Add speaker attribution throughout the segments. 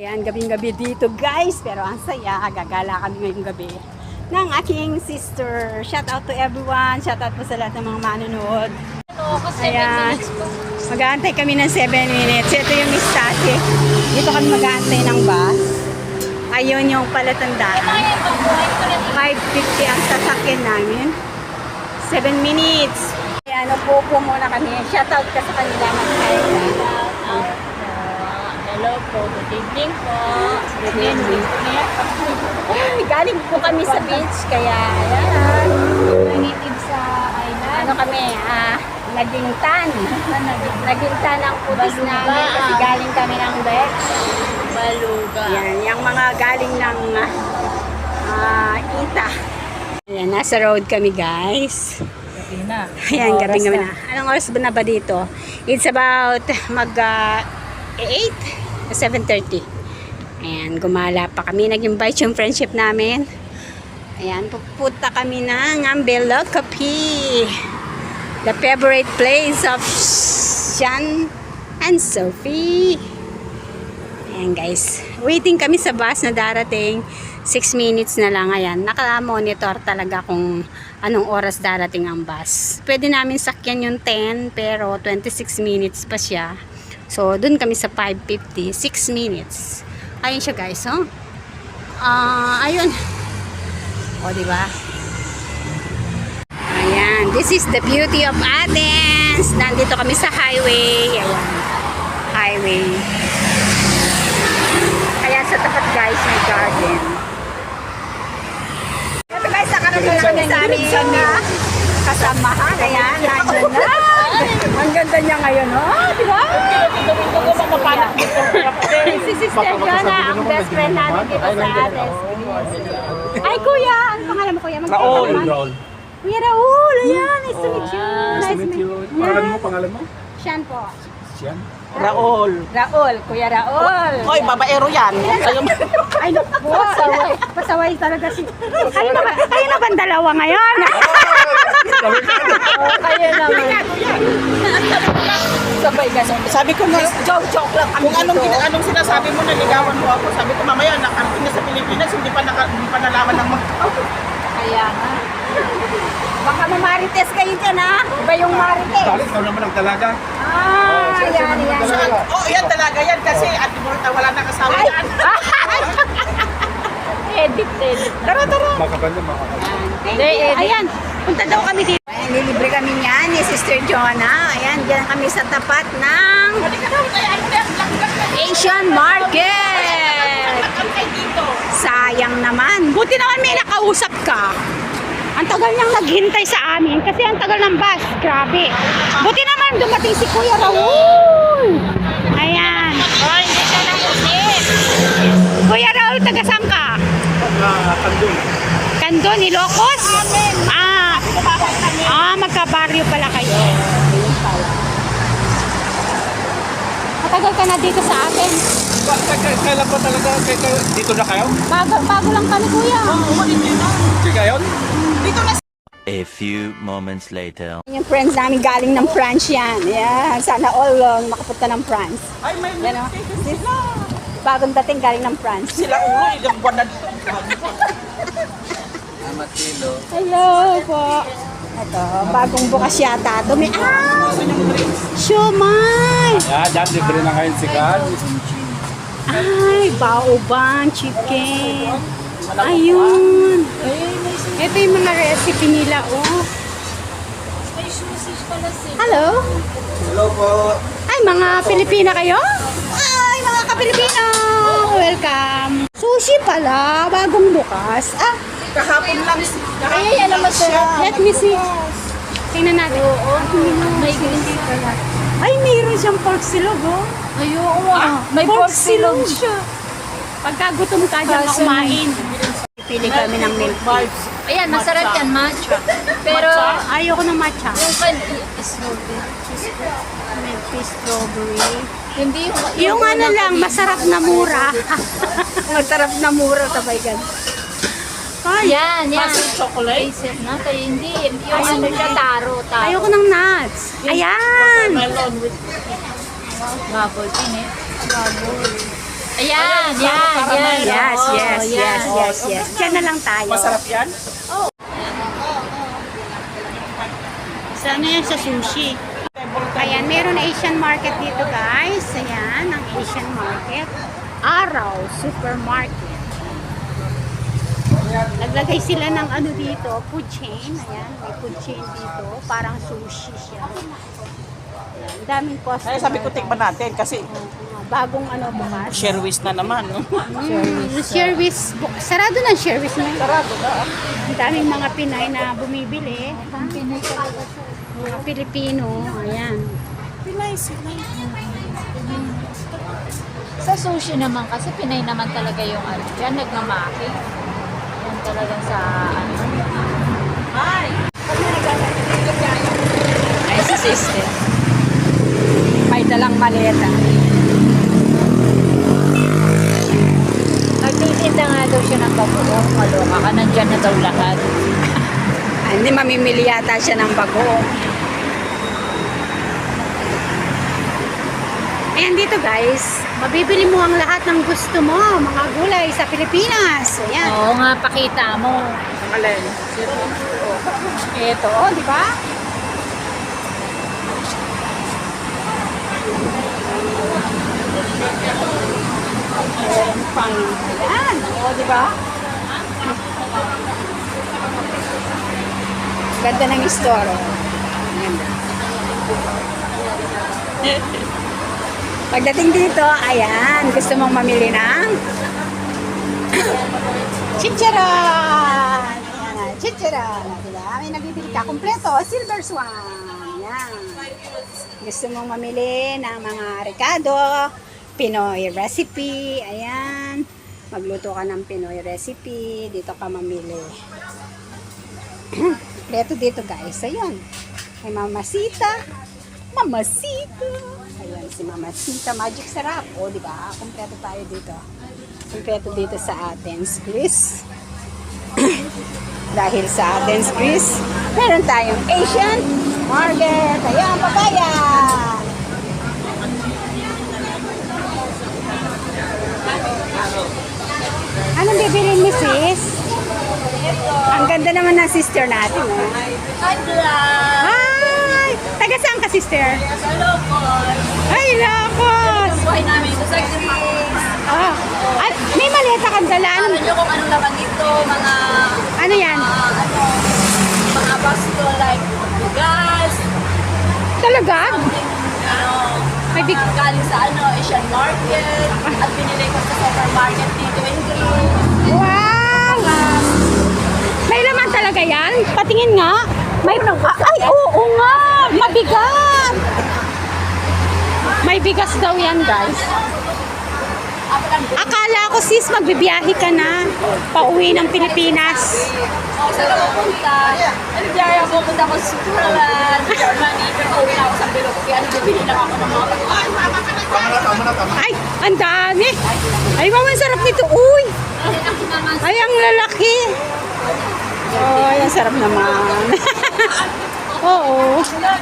Speaker 1: Ayan, gabing-gabi dito guys, pero ang saya, gagala kami ngayong gabi ng aking sister. Shout out to everyone, shout out po sa lahat ng mga manonood. Ayan, mag-aantay kami ng 7 minutes. Ito yung Mistake. Dito kami mag-aantay ng bus. Ayun yung palatandaan. 5:50 ang sasakyan namin. 7 minutes. Ayan, upo muna kami. Shout out ka sa kanila, mag-aantay.
Speaker 2: Hello po, good evening po. Good evening.
Speaker 1: Ay, galing po kami sa beach, kaya ayan.
Speaker 2: Native sa island.
Speaker 1: Ano kami, naging tan. Naging tan ang putis namin kasi galing kami ng beach.
Speaker 2: Baluga.
Speaker 1: Yan, yung mga galing ng Ita. Ayan, nasa road kami guys.
Speaker 2: Gabi na.
Speaker 1: Ayan, gabi na. Anong oras ba na ba dito? It's about 7:30. Ayan, gumala pa kami. Nag-invite yung friendship namin. Ayan, pupunta kami ng Ambelo Cafe. The favorite place of Sean and Sophie. Ayan guys, waiting kami sa bus na darating. 6 minutes na lang. Ayan, naka-monitor talaga kung anong oras darating ang bus. Pwede namin sakyan yung 10 pero 26 minutes pa siya. So, dun kami sa 5:50, 6 minutes. Ayun siya guys, oh. Ayun. O, diba? Ayan, this is the beauty of Athens. Nandito kami sa highway. Ayan, highway. Kaya sa tapat guys, may garden. Ito guys, nakarating na kami sa aming kasamahan. Ayan, nandiyan na. Ang ganda niya ngayon, oh. Diba? Si Sister Jonah, ang best friend namin dito sa Athens. Ay, kuya! Ano pangalan mo, kuya?
Speaker 3: Raul.
Speaker 1: Kuya Raul! Ayan, nice to meet you.
Speaker 3: Nice to meet you. Pangalan mo?
Speaker 1: Siyan po.
Speaker 3: Siyan?
Speaker 4: Raul.
Speaker 1: Raul, Kuya Raul.
Speaker 4: Hoy, babaero yan.
Speaker 1: Ay, naku, pasaway. Pasaway talaga si... Kayo na ba dalawa ngayon?
Speaker 2: Kayo naman.
Speaker 1: Sabay ganun.
Speaker 4: Sabi ko nga,
Speaker 1: Joke lang kami
Speaker 4: kung
Speaker 1: dito.
Speaker 4: anong sinasabi mo, naligawan mo ako. Sabi ko, mamaya, nakarating na sa Pilipinas, hindi pa nalaman ng mga...
Speaker 1: Kaya nga. Baka mamarites kayo dyan, ha? Iba yung marites.
Speaker 3: Bakit ikaw naman ang talaga?
Speaker 1: Yan.
Speaker 4: Oh, yan talaga yan kasi at wala nang asawa yan.
Speaker 2: Edit.
Speaker 1: Tara.
Speaker 3: Makapal.
Speaker 1: Ayan, punta daw kami dito. Ayan, nilibre kami niyan ni Sister Jonah. Ayan, dyan kami sa tapat ng Asian Market. Sayang naman. Buti naman may nakausap ka. Ang tagal niyang naghintay sa amin kasi ang tagal ng bus. Grabe. Buti naman dumating si Kuya Raul. Ayan. Kuya Raul, taga saan ka?
Speaker 3: Kandun.
Speaker 1: Kandun, Ilocos? Magkabaryo pala kayo. Matagal ka na dito sa atin.
Speaker 3: Kailan ba talaga? Dito na kayo?
Speaker 1: Bago lang kami, kuya.
Speaker 3: Di kayo?
Speaker 5: A few moments later.
Speaker 1: Yung friends namin galing ng France yan. Yeah, sana all makapunta ng France.
Speaker 4: Ay, may
Speaker 1: Yan o. Bagong dating galing ng France.
Speaker 4: sila ulo, ilang buwan na dito.
Speaker 1: Hello po. Ito, bagong bukas yata. Dumi. Siomay!
Speaker 3: Dyan, libre na kayo si Carl.
Speaker 1: Ay, baoban, chicken. Ayun. Ito yung mga recipe nila, oh. Hello?
Speaker 3: Hello po.
Speaker 1: Ay, mga Pilipina kayo? Ay, mga ka-Pilipino! Welcome! Sushi pala, bagong bukas.
Speaker 4: Kahapon lang.
Speaker 2: Ay, alam mo sir.
Speaker 1: Let me see. Tingnan natin.
Speaker 2: May green pala.
Speaker 1: Ay, mayroon siyang pork silog, oh.
Speaker 2: Ayun. May
Speaker 1: pork silog siya. Pagka gutom ka dyan ka kumain. Pili kami ng milk tea.
Speaker 2: Ayan, masarap yan, matcha. Pero,
Speaker 1: Ayoko ng matcha.
Speaker 2: yung pan strawberry.
Speaker 1: Milk tea, strawberry.
Speaker 2: Hindi
Speaker 1: Yung ano lang, masarap na mura. Masarap na mura, sabay gan. Ay,
Speaker 2: Yan.
Speaker 4: Chocolate.
Speaker 2: Basic na. Kaya hindi. Yung ano siya, taro.
Speaker 1: ayoko ng nuts. Ayan!
Speaker 4: Melon with
Speaker 2: Bubble tin eh. Ayan, yan.
Speaker 1: Yes,
Speaker 2: Oo,
Speaker 1: yes,
Speaker 2: yan.
Speaker 1: yes, yes, yes. Diyan na lang tayo.
Speaker 4: Masarap yan.
Speaker 1: Sa ano yan? Sa sushi. Ayan, meron Asian market dito guys. Ayan, ang Asian market. Araw Supermarket. Naglagay sila ng ano dito, food chain. Ayan, may food chain dito. Parang sushi siya. Ayan, daming customer.
Speaker 4: Ay, sabi ko tikman natin kasi
Speaker 1: Bagong ano bukas.
Speaker 4: Sherwis na naman. No?
Speaker 1: Sherwis. Sarado na Sherwis na.
Speaker 4: Sarado na.
Speaker 1: Ang daming mga Pinay na bumibili. Mga Pilipino. Ayan.
Speaker 4: Pinay sila.
Speaker 2: Sa sushi naman kasi Pinay naman talaga yung ano. Diyan nagmamaki. Yan talagang sa ano.
Speaker 1: Ay, si sister. May dalang maleta.
Speaker 2: Nagtitinda nga daw siya ng bagoong. Maloka ka, nandyan na daw lahat.
Speaker 1: Ay, hindi mamimili yata siya ng bago. Ayan dito guys, mabibili mo ang lahat ng gusto mo, mga gulay sa Pilipinas. Ayan.
Speaker 2: Oo nga, pakita mo.
Speaker 4: Alin?
Speaker 1: Ito, oh, di ba? Ayan, pang, ayan, oh, di ba? Ganda ng store, oh. Ganda. Pagdating dito, ayan, gusto mong mamili ng chicharon! Ayan, chicharon. Diba? May nabibili ka. Kompleto, Silver Swan. Ayan. Gusto mong mamili ng mga Ricardo, Pinoy recipe. Ayan. Magluto ka ng Pinoy recipe. Dito ka mamili. Kompleto dito guys. Ayun. May Mamasita. Mamasita. Ayan, si Mamasita. Magic sarap. O, di ba? Kompleto tayo dito. Kompleto dito sa Athens, Greece. Dahil sa Athens, Greece, meron tayong Asian market. Ayan, papaya. Anong bibilin ni sis? Ang ganda naman ng sister natin. Oh. Hi! Taga saan ka, sister? Ay, Locos!
Speaker 2: Buhay namin ito sa Greece.
Speaker 1: Ah, at may maleta kang dala.
Speaker 2: Alam nyo kung anong laman dito, mga
Speaker 1: Ano yan?
Speaker 2: mga basto like gas,
Speaker 1: Talaga? May big...
Speaker 2: galing sa Asian market, at binili ko sa supermarket dito in Greece.
Speaker 1: Wow! May laman talaga yan? Patingin nga. May... ay, oo nga! Mabigat! May bigas daw yan, guys. Akala ko, sis, magbibiyahe ka na. Pauwi ng Pilipinas.
Speaker 2: Saan ako pupunta? Diyan ako pupunta ko sa Switzerland, Germany, pero uwi na ako sa Bilog. Kaya bibili lang ako ng mga pagkain.
Speaker 1: Ay, ang dami. Ay, wow, ang sarap nito. Uy! Ay, ang lalaki. Ay, ang sarap naman. Oo.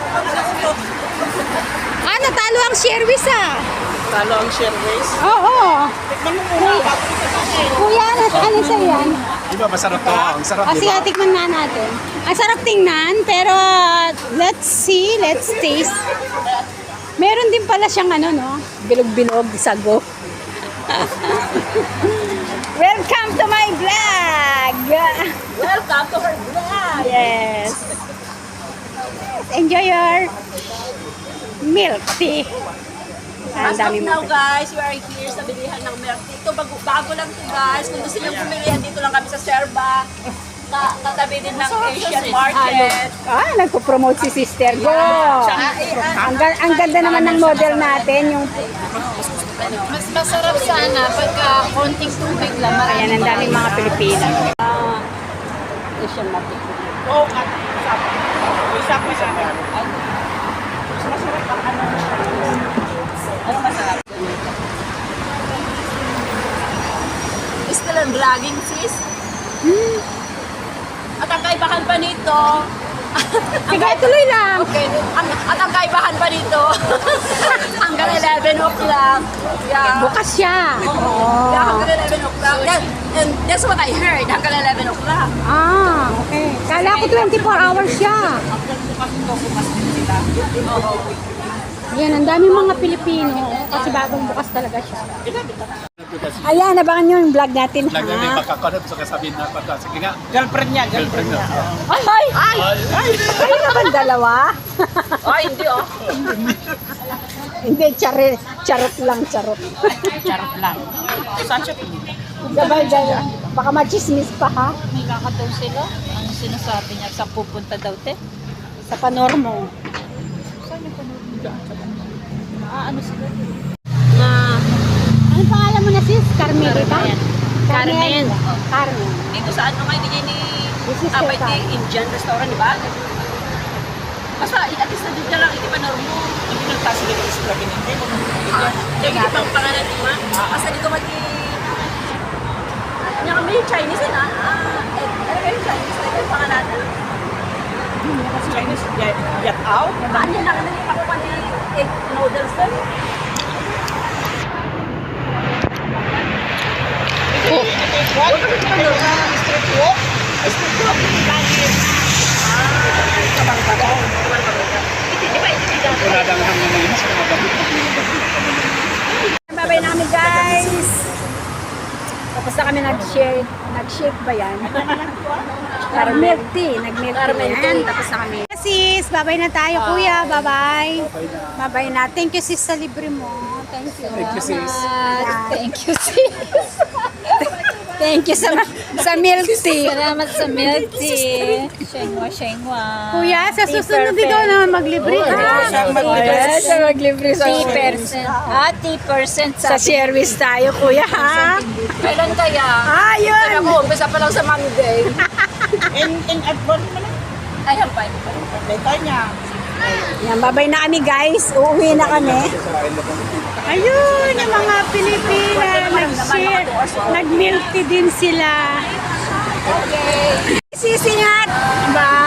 Speaker 1: Ah, natalo ang Sherwis ah.
Speaker 4: Talo ang Sherwis.
Speaker 1: Oo.
Speaker 4: Tikman mo muna.
Speaker 1: Kuya, ano sa'yo yan?
Speaker 3: Di ba masarap to? Ang sarap,
Speaker 1: O, sige, tikman nga natin. Ang sarap tingnan, pero let's see, let's taste. Meron din pala siyang ano, no? Bilog-bilog, sago. Welcome to my vlog!
Speaker 2: Welcome to her vlog!
Speaker 1: Yes. Enjoy your milk tea. Ang
Speaker 2: As of
Speaker 1: dami
Speaker 2: now
Speaker 1: mo.
Speaker 2: guys, we are here sa bilihan ng milk tea. Ito bago lang to guys. Kung gusto niyo bumili, dito lang kami sa Serba. Katabi din ng Asian market.
Speaker 1: Ah, nagpo-promote si Sister Go. Ang ganda naman ng model natin, yung
Speaker 2: Mas masarap sana pagka konting tubig lang.
Speaker 1: ayan, ang daming mga Pilipina. Asian market.
Speaker 4: Oo, at usap mo sa akin. Mas masarap ang ano. Ano masarap?
Speaker 2: Still ang vlogging sis. At ang kaibahan pa nito,
Speaker 1: Sige, tuloy lang.
Speaker 2: Okay. At ang kaibahan pa dito, hanggang 11 o'clock. Yeah.
Speaker 1: Bukas siya.
Speaker 2: Yeah, hanggang 11 o'clock. And that's what I heard, hanggang 11 o'clock.
Speaker 1: Ah, okay. Kala ko 24 hours siya. Yan, ang daming mga Pilipino. Kasi bagong bukas talaga siya. Ayan, abangan nyo yung vlog natin.
Speaker 3: Lagi may
Speaker 1: Ha?
Speaker 3: pagkakonap sa kasabihin na pata. Sige nga.
Speaker 4: Girlfriend niya.
Speaker 1: Ay! Ay! Ay naman dalawa?
Speaker 2: Ay, hindi oh.
Speaker 1: Hindi, charot lang, charot.
Speaker 4: Charot lang. Saan siya?
Speaker 1: Gabay, baka machismis pa ha?
Speaker 2: May kakataw sila. Ang sinasabi niya, sa pupunta daw, te?
Speaker 1: Sa panormo.
Speaker 2: Ano sila?
Speaker 1: Na, ano pangalan mo na sis? Carmelita?
Speaker 2: Carmen.
Speaker 1: Carmen.
Speaker 2: Dito sa ano kayo, ni
Speaker 1: This is
Speaker 2: Abay
Speaker 1: your time.
Speaker 2: Indian restaurant, di ba? Basta, at least na dito lang, hindi pa normo.
Speaker 4: Hindi nagtasi dito sa Strabin. Hindi mo.
Speaker 2: Yung ibang pangalan di ba? Basta dito yung kami Chinese na. Ano kayo Chinese? Ano yung pangalan?
Speaker 4: Chinese get out.
Speaker 2: Ano yung nakita pakuha ni egg noodles doon?
Speaker 4: What? Street walk? Street walk.
Speaker 3: Wala lang hanggang ngayon sa mga gamit.
Speaker 1: Babay namin guys. Tapos na kami nag-shake. Nag-shake ba yan? Nag-milk tea. Nag-milk tea. Yan. Tapos na kami. Sis, babay na tayo kuya. Bye-bye. Babay na. Thank you sis sa libre mo. Thank you.
Speaker 3: Thank you, sis.
Speaker 1: Thank you sis. Thank you sa milk tea.
Speaker 2: Salamat sa milk tea. Shengwa, shengwa.
Speaker 1: Kuya, sa susunod ikaw naman maglibre. Siya maglibre sa
Speaker 2: 10%. 10%
Speaker 1: Sa service tayo kuya ha.
Speaker 2: Kailan kaya?
Speaker 1: Ayun.
Speaker 2: Ako, umpisa pa lang sa Monday.
Speaker 4: In advance mo na.
Speaker 2: Ayan pa.
Speaker 4: Later niya.
Speaker 1: Yan, babay na kami guys. Uuwi na kami. Ayun, yung mga Pilipina, nag-share, nag-milk tea din sila.
Speaker 2: Okay.
Speaker 1: Sisingat! Bye!